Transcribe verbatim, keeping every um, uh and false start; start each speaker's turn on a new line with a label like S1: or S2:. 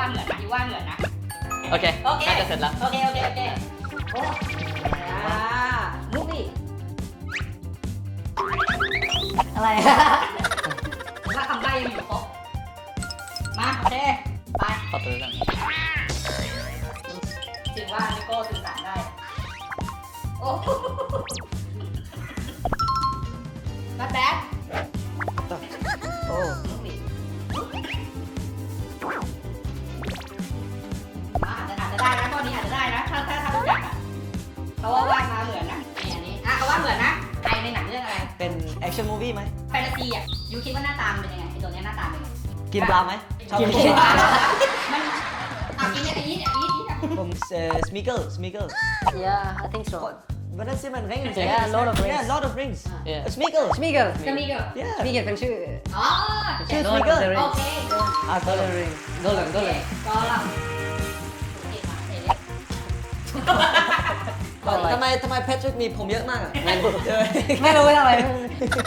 S1: เหมือนนะยูว่าเหมือนนะ
S2: โอเค
S1: โอเค
S2: น่าจะเสร็จแล้ว
S1: โอเคโอเคโอเคโอ้อ่ามุกนี่
S3: อะไร
S1: ถ้าคำใบ้ยังอยู่ครบมาโอเคไป
S2: ขอตัวกัน
S1: ถือว่านิโก้สื่อสารได้โอ้แบทแบท
S3: โอ้
S1: มุกนี่อ่าอาจจะอาจจะได้นะข้อนี้อาจจะได้นะถ้าถ้าถ้ารู้จักอ่ะเพราะว่าว่ามาเหมือนนะนี่อันนี้อ่ะเขาว่าเหมือนนะใครในหนังเรื่องอะไร
S3: เป็นแอคชั่นมูวี่ไหม
S1: แฟนตาซีอ่ะยูคิดว่าหน้าตามันเป็นยังไงไอตัวเนี้ยหน้าตาเป็นยังไง
S3: กินปลาไหมชอบ
S1: กิน
S3: กิน
S1: ปลามันอ่ะกินเนี่ยอีทเนี่ยอีทอีทอ่ะ
S3: ผมเอ่อสมิเกิลสมิเกิล
S4: Yeah, I think so.
S3: What does it mean? Rings.
S4: Yeah, Lord of Rings.
S3: Yeah, Lord of Rings.
S2: Yeah.
S3: Smeagol.
S4: Smeagol.
S1: จะมีเกี่ยว
S3: Yeah.
S4: Smeagol เป็นชื่อ
S1: อ๋อ
S3: ชื่อ
S4: Lord of
S3: Smeagol.
S4: the
S1: โอ
S4: Rings.
S1: เค
S3: Ah, Lord of the Rings.
S4: Gollum, Gollum.
S1: ก็เราเก่งมากเก่งเลย
S3: ทำไมทำไมแพทริกมีผมเยอะมากอ่ะ
S4: ไม่รู้ทำไม